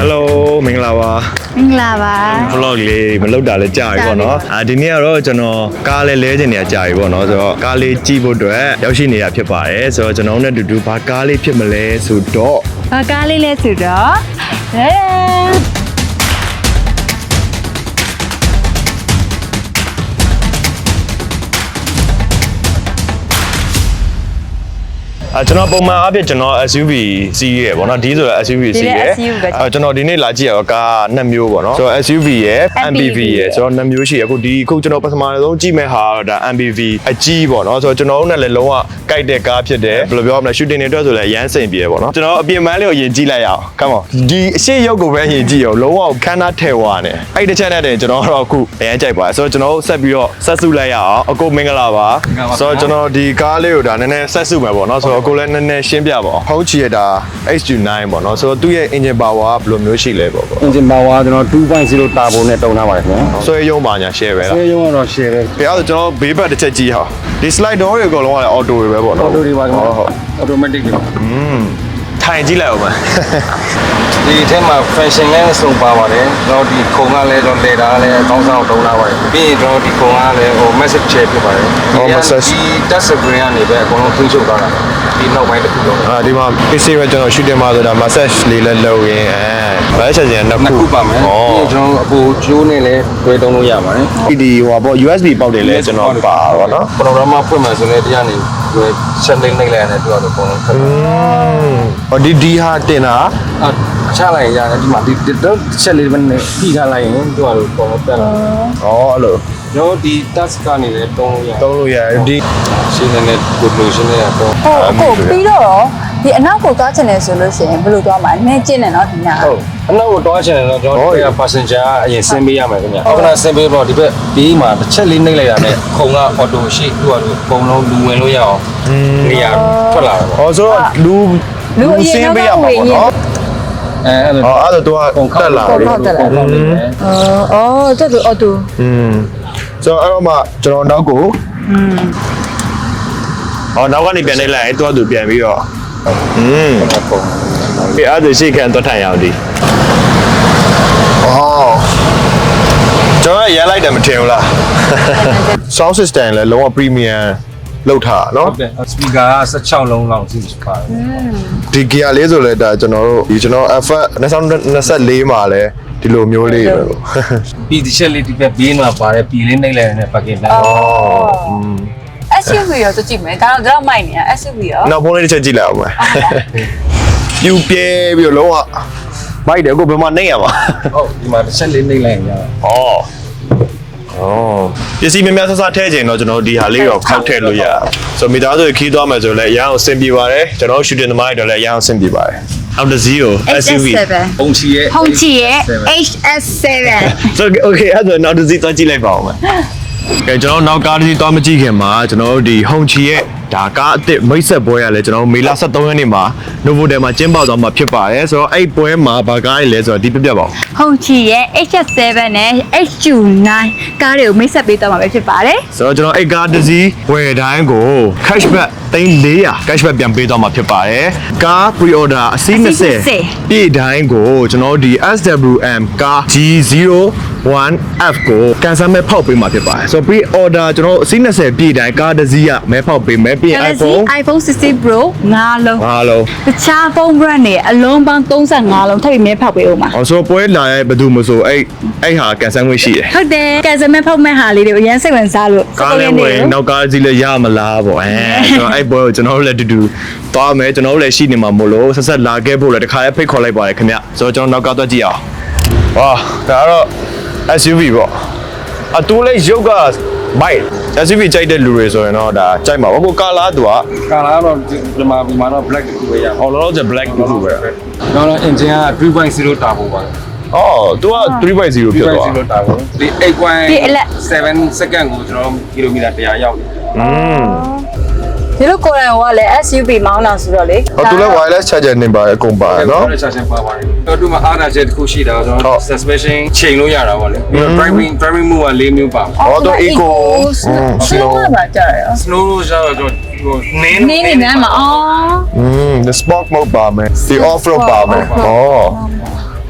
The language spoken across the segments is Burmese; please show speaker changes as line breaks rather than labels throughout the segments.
Hello မင်္ဂလာပါ
မင်္ဂလာပါ
vlog လေးမလုပ်တာလည်းကြာပြီပေါ့နော်ဒီနေ့ကတော့ကျွန်တော်ကားလေးလဲချင်နေတာကြာပြီပေါ့နော်ဆိုတော့ကားလေးကြည့်ဖို့အတွက်ရောက်ရှိနေတာဖြစ်ပါတယ်ဆိုတော့ကျွန်တော်နဲ့အတူတူဘာကားလေးဖြစ်မလဲဆိုတော့
ဘာကားလေးလဲဆိုတော့
ကျွန်တော်ပုံမှန်အားဖြင့်ကျွန်တော် SUV စီးရဲပေါ့နော်ဒီဆိုတော့ SUV စီးရဲကျွန်တော်ဒီနေ့လာကြည့်ရတော့ကားနှစ်မျိုးပေါ့နော်ဆိုတော့ SUV ရယ် MPV ရယ်ဆိုတော့နှစ်မျိုးရှိရအခုကျွန်တော်ပထမဆုံးကြည့်မဲ့ဟာဒါ MPV အကြီးပေါ့နော်ဆိုတော့ကျွန်တော်တို့နဲ့လည်းလုံးဝကြိုက်တဲ့ကားဖြစ်တယ်ဘယ်လိုပြောမလဲ shooting တွေအတွက်ဆိုလည်းအရန်စိန်ပြေပေါ့နော်ကျွန်တော်အပြင်ပန်းလေးကိုယဉ်ကြည့်လိုက်ရအောင် come on ဒီအရှိရုပ်ကိုပဲယဉ်ကြည့်ရအောင်လုံးဝခန်းသားထဲဝါနေအဲ့တစ်ချက်နဲ့တင်ကျွန်တော်တော့အခုအရန်ကြိုက်ပါတယ်ဆိုတော့ကျွန်တော်ဆက်ပြီးတော့ဆက်စုလိုက်ရအောင်အခုမင်္ဂလာပါဆိုတော့ကျွန်တော်ဒီကားလေးကိုဒါနည်းနည်းဆက်စုမယ်ပေါ့နော်ဆိုတော့ကိုလည်းနည်းနည်းရှင်းပြပါအောင်ဟုတ်ချီရတာ H29 ပေါ့နော်ဆိုတော့သူ့ရဲ့ engine power ကဘယ်လိုမျိုးရှိလဲပေါ့
engine power ကျွန်တော် 2.0 turbo နဲ့တုံထားပါတယ်ခင်ဗျာ
ဆွဲရုံပါညာ share ပဲလား
ဆွဲရုံကတော့ share ပဲ
ခင်ဗျားဆိုကျွန်တော်ဘေးဘက်တစ်ချက်ကြည့်ဟာဒီ slide door တွေအကုန်လုံးကလည်း auto တွေပဲပေါ့နော်
auto တွေပါခင်ဗျာဟုတ် automatic တွေ
ထိုင်ကြည့်လိုက်အောင်ပါ
ဒီထဲမှာ fashion လည်းစုံပါပါတယ်ကျွန်တော်ဒီခုံကလည်းကျွန်တော်လေတာလည်းအကောင်းဆုံးတုံးထားပါတယ်ပြီးရင်ကျွန်တော်ဒီခုံကလည်းmessage share ဖြစ်ပါတယ်ဒီ touch screen ကနေပဲအကုန်လုံးထိချုပ်သွားတာဒီနောက်ပိုင်းတစ်ခုလုံး
ဒီမှာ PC ပဲကျွန်တော် shooting မှာဆိုတာ massage လေးလည်းလုပ်ရင်ဘာချက်ချင်းနှစ်ခု
ပါမယ်ပြီးရင်ကျွန်တော်အပူကျိုးနဲ့လည်းတွဲတုံးလို့ရပါတယ်
ဒီဟိုပေါ့ USB ပေါက်တယ်လည်းကျွန်တော်ပါပါနော်
program မှာဖွင့်မှဆိုလည်းတရားနေချက်လိမ့်လိုက်လိုက်ရတယ်သူကတော့အကုန်လုံးဖတ်
ဟောဒီဟာတင်တာ
ချလိုက်ရတယ်ဒီမှာဒီတော့ချက်လေးပဲနဲ့ဖြီးထားလိုက်ရင်သူကတော့အကုန်လုံးတက်လာ
အဲ့လို
ကျွန်တော်ဒီ task ကနေလည်းတုံး
လို့ရတယ်ဒီ
ရှင်းနေတဲ့ good lotion နဲ့တော့
ဟုတ်ပြီးတော့ဒီအနောက်ကိုသွားချင်တယ်ဆိုလို့ရှိရင်ဘယ်လိုသွားမှာလဲကျင်းတယ်နော်ဒီည
ဟုတ်အနောက်ကိုသွားချင်တယ်တော့ကျွန်တော်တို့ passenger အရင်ဆင်းပေးရမယ်ခင်ဗျဟုတ်ကဲ့ဆင်းပေးတော့ဒီဘက်ဘေးမှာတစ်ချက်လေးနှိပ်လိုက်တာနဲ့ခုံက auto ရှိသူကတော့အကုန်လုံးလူဝင်လို့ရအောင်နေရာထွက်လာတယ်ပေါ့
ဟောဆိုတော့လူဆင်းပေးရမှာပေါ့နော်
အဲ့လို
အဲ့တော့သူကတက်လာတယ်
တက်တူအော်တူ
ဆိုတော့အဲ့တော့မှကျွန်တော်နောက်ကိုနောက်ကနေပြန်နေလိုက်ရင်သူပြန်ပြီးတော့ဒီအဲ့ဒါရှိခံတော့ထိုင်ရအောင်ဒီကျွန်တော်ရလိုက်တယ်မထင်ဘူးလား sound system လည်းလုံးဝ premium လောက်ထားနော်
ဟုတ်တယ် speaker က16လုံးလောက်ရှိပါတယ်
ဒီ gear လေးဆိုလဲဒါကျွန်တော် FF 2024မှာလဲဒီလိုမျိုးလေးပဲပေါ့
ပြီးဒီချက်လေးဒီဘက်ဘေးမှာပါတယ်ပြည်လေးနှိပ်လိုက်တဲ့ packet နဲ့
SUV ရောကြည့်မယ်ဒါတော့မိုက်နေတာ SUV ရော
နောက်ဖုန်းလေးတစ်ချက်ကြည့်လိုက်အောင်မယ်ပြူပြဲပြီးတော့လုံးဝမိုက်တယ်အခုဘယ်မှာနှိပ်ရမှာ
ဟုတ်ဒီမှာတစ်ချက်လေးနှိပ်လိုက်ရင်ရ
ပစ္စည်းများများဆဆထည့်ခြင်းတော့ကျွန်တော်ဒီဟာလေးတော့ခောက်ထည့်လို့ရဆိုမိသားစုခီးသွားမယ်ဆိုလည်းအရန်အောင်ဆင်ပြေပါတယ်ကျွန်တော် shooting သမားတွေတော့လည်းအရန်အောင်ဆင်ပြေပါတယ်အော်တဇီကို SUV
ဟုံချီရဲ့
HS7
so okay အဲ့ဒါနောက်တဇီသွားကြည့်လိုက်ပါဦးမယ်ကဲကျွန်တော်နောက်ကားတစ်စီးသွားမကြည့်ခင်မှာကျွန်တော်တို့ဒီဟုံချီရဲ့ဒါကားအစ်စ်မိတ်ဆက်ပွဲရလဲကျွန်တော်မေလ23ရက်နေ့မှာ Novotel မှာကျင်းပသွားမှာဖြစ်ပါတယ်ဆိုတော့အဲ့ပွဲမှာဘာကားရလဲဆိုတော့ဒီပြပြပါဦး
ဟုံချီရဲ့ HS7 နဲ့ HU9 ကားတွေကိုမိတ်ဆက်ပေးသွားမှာပဲဖြစ်ပါတယ်
ဆိုတော့ကျွန်တော်အဲ့ကားတစ်စီးဝယ်တိုင်းကို cashback 3,400 cashback ပြန်ပေးသွားမှာဖြစ်ပါတယ်ကား pre-order အစီး20ပြည့်တိုင်းကိုကျွန်တော်ဒီ SWM ကား G01F ကိုကန်ဆယ်မဲ့ဖောက်ပေးမှာဖြစ်ပါတယ်ဆိုတော့ pre-order ကျွန်တော်အစီး20ပြည့်တိုင်းကားတစ်စီးကမဲဖောက်ပေးမယ်ပြီး
iPhone 16 Pro 5လုံးတခြားဖုန်း brand တွေအလုံးပေါင်း35လုံးထပ်ပြီးမဲဖောက်ပေးဦးမှာ
ဆိုတော့ပွဲလာရဲ့ဘယ်သူမဆိုအဲ့ဟာကန်ဆယ်ငွေရှိတယ်
ဟုတ်တယ်ကန်ဆယ်မဲ့ဖောက်မဲ့ဟာလေးတွေကိုအရင်စိတ်ဝင်စားလို့
ကားလေးဝင်နောက်ကားကြီးလည်းရမလားပေါ့ဆိုတော့အဲ့ပွဲကိုကျွန်တော်တို့လည်းတူသွားမယ်ကျွန်တော်တို့လည်းရှိနေမှာမို့လို့ဆက်လာခဲ့ဖို့လည်းတခါလေးဖိတ်ခေါ်လိုက်ပါတယ်ခင်ဗျဆိုတော့ကျွန်တော်နောက်ကားသွားကြည့်အောင်ဝါဒါကတော့ SUV ပေါ့အတူလေးရုပ်ကဘိုက် SUV ကြိုက်တဲ့လူတွေဆိုရင်တော့ဒါကြိုက်မှာပေါ့ကိုကာလာသူက
ကာလာတော့ဒီမှာတော့ black တူပဲရ
အောင်လောလောဆယ် black တူပဲ
တော့ engine က 3.0 turbo ပါ
သူက 3.0 ဖြစ်သွား
3.0 turbo ဒီ 8.7 second ကိုကျွန်တော်ကီလိုမီတာ100ရောက်တယ်
ဒီလိုကိုယ်တိုင်ကလည်း SUV မောင်းတာဆိုတော့လေ
သူလည်း wireless charger နေပါတယ်အကုန်ပါတယ်နော်
wireless charger ပါပါတယ်တော့သူမှာအားသာချက်တစ်ခုရှိတာကျွန်တော် suspension ချိန်လို့ရတာပေါ့လေ driving move က4မျိုးပါ
သူ eco
slow ပါကြရ
slow လို့ဆိုတော့နင်း
နေမှာ
the sport mode ပါမယ် the off road ပါမယ်သူ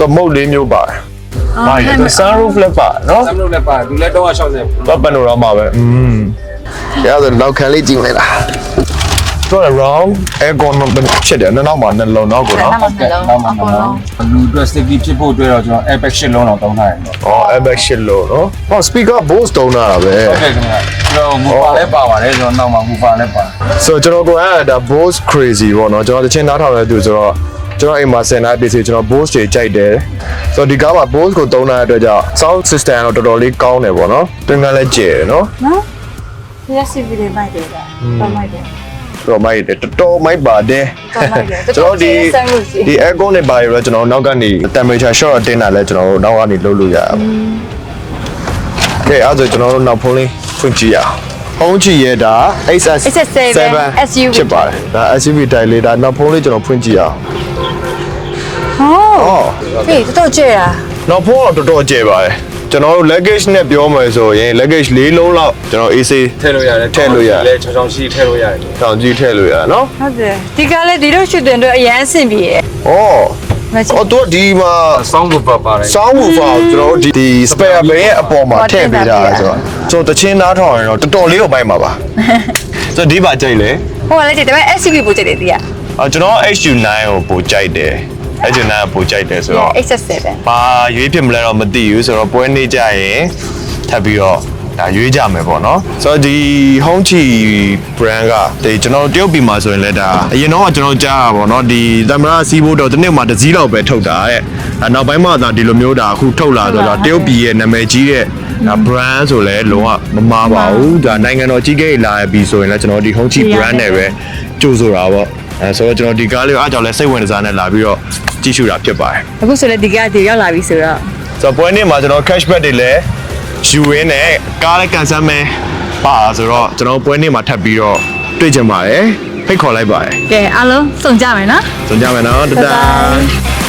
သမုတ်လေးမျိုးပါတယ်။ဘာလဲ sunroof လည်းပါနော်
စမ်းလို့လည်းပါသူလည်း360
။တော့ပန်နိုရာမာပဲ။ရတဲ့နောက်ခံလေးကြည့်လိုက်လား။တော့ round aircon ဖြစ်တယ်နောက်မှာနှလုံးနောက်ကိုနော်
နောက်မှလုံးအကုန်လုံး
လူအတွက် sticky ဖြစ်ဖို့အတွက်တော့ကျွန်တော် airbag ရှစ်လုံးတော့တောင်းထားတယ်နော်
။အော် airbag ရှစ်လို့နော်။ဟော speaker Bose တုံးတာပဲ
ဟုတ်ကဲ့ခင်ဗျာကျွန်တော်မူပါလည်းပါပါတယ်ကျွန်တော်နောက်မှာမူပါလည်းပါ
။ So ကျွန်တော်ကိုအဲ့ဒါ Bose crazy ပေါ့နော်။ကျွန်တော်တချင်းနားထောင်ရတဲ့သူဆိုတော့ကျွန်တော်အိမ်မှာစင်နာပစ္စည်းကျွန်တော် Bose တွေကြိုက်တယ်။ So ဒီကားမှာ Bose ကိုတုံးတဲ့အတွက်ကြောင့် sound system တော့တော်တော်လေးကောင်းတယ်ပေါ့နော်။တွင်ကလည်းကျယ်တယ်နော်
နော်ဒီရက်စီဗီလေးမိုက်တယ်တော့မိုက်တယ်
။တော်မိုက်တယ်တော်တော်မိုက်ပါတယ်
တော်မိုက်တယ်
ကျွန်တော်ဒီ aircon နဲ့ပါရတော့ကျွန်တော်နောက်ကနေ temperature shot တင်တာလဲကျွန်တော်တို့နောက်ကနေလုပ်လို့ရအောင်။ Okay အဲ့ဒါကျွန်တော်တို့နောက်ဖုန်းလေးဖွင့်ကြည့်ရအောင်။ဖုန်းကြည့်ရတာ XS7
SUV
ဖြစ်ပါတယ်။ဒါ SUV တိုင်လေးဒါနောက်ဖုန်းလေးကျွန်တော်ဖွင့်ကြည့်ရအောင်
ဟောဖေးတော်ကျဲတာ
။နောက်ဖုန်းတော့တော်တော်ကျယ်ပါတယ်။ကျွန်တော်တို့ luggage နဲ့ပြောမယ်ဆိုရင် luggage ၄လုံးလောက်ကျွန်တော် AC
ထည့်လို့ရတယ်
ထည့်လို့ရတယ်
လဲချောင်းချောင်းရှိထည့်လို့ရတယ်
တောင်ကြီးထည့်လို့ရနော်
ဟုတ်တယ်ဒီကလည်းဒီလိုရှူတင်တော့အရန်အဆင်ပြေတယ်
။အော်
မချ
အော်တော့ဒီမှာ
ဆောင်းဘူးပါပါတယ်
sound woofer ကိုကျွန်တော်တို့ဒီ spare bay ရဲ့အပေါ်မှာထည့်ပေးတာဆိုတော့ကျွန်တော်တချင်းနားထောင်ရင်တော့တော်တော်လေးကိုပိုက်မှာပါဆိုတော့ဒီပါကြိုက်လေ
ဟိုကလည်းဒီဒါပေမဲ့ SUV ပို့ကြတယ်ဒီက
ကျွန်တော် HU9 ကိုပိုကြိုက်တယ် HU9 ကိုပိုကြိုက်တယ်ဆိုတော့
XS7
ဘာရွေးဖြစ်မလဲတော့မသိဘူးဆိုတော့ပွဲနေကြရင်ထပ်ပြီးတော့ဒါရွေးကြမယ်ပေါ့နော်ဆိုတော့ဒီ Hongqi brand ကဒီကျွန်တော်တရုတ်ပြည်မှာဆိုရင်လည်းဒါအရင်တော့ကျွန်တော်ကြားတာပေါ့နော်ဒီသမရစီးဖို့တော့တစ်နှစ်မှာတစ်စည်းလောက်ပဲထုတ်တာတဲ့နောက်ပိုင်းမှာဒါဒီလိုမျိုးဒါအခုထုတ်လာဆိုတော့တရုတ်ပြည်ရဲ့နာမည်ကြီးတဲ့ဒါ brand ဆိုလဲလုံးဝမမှားပါဘူးဒါနိုင်ငံတော်ကြီးကြီးလာပြီဆိုရင်လည်းကျွန်တော်ဒီ Hongqi brand နဲ့ပဲကြိုးဆိုတာပေါ့ဆိုတော့ကျွန်တော်ဒီကားလေးကိုအားကြောင့်လဲစိတ်ဝင်စားနေလာပြီးတော့ကြည့်ရှုတာဖြစ်ပါတယ်
အခုဆိုလည်းဒီကဒီရောက်လာပြီဆိုတော့
ဆိုတော့ပွဲနေ့မှာကျွန်တော် cashback တွေလည်းယူရင်းနဲ့ကားလည်းကန်ဆယ်မယ်ပါဆိုတော့ကျွန်တော်ပွဲနေ့မှာထပ်ပြီးတော့တွေ့ကြပါတယ်ဖိတ်ခေါ်လိုက်ပါတယ်
ကဲအားလုံးစုံကြမယ်နော်
ကြုံကြမယ်နော်တဒါ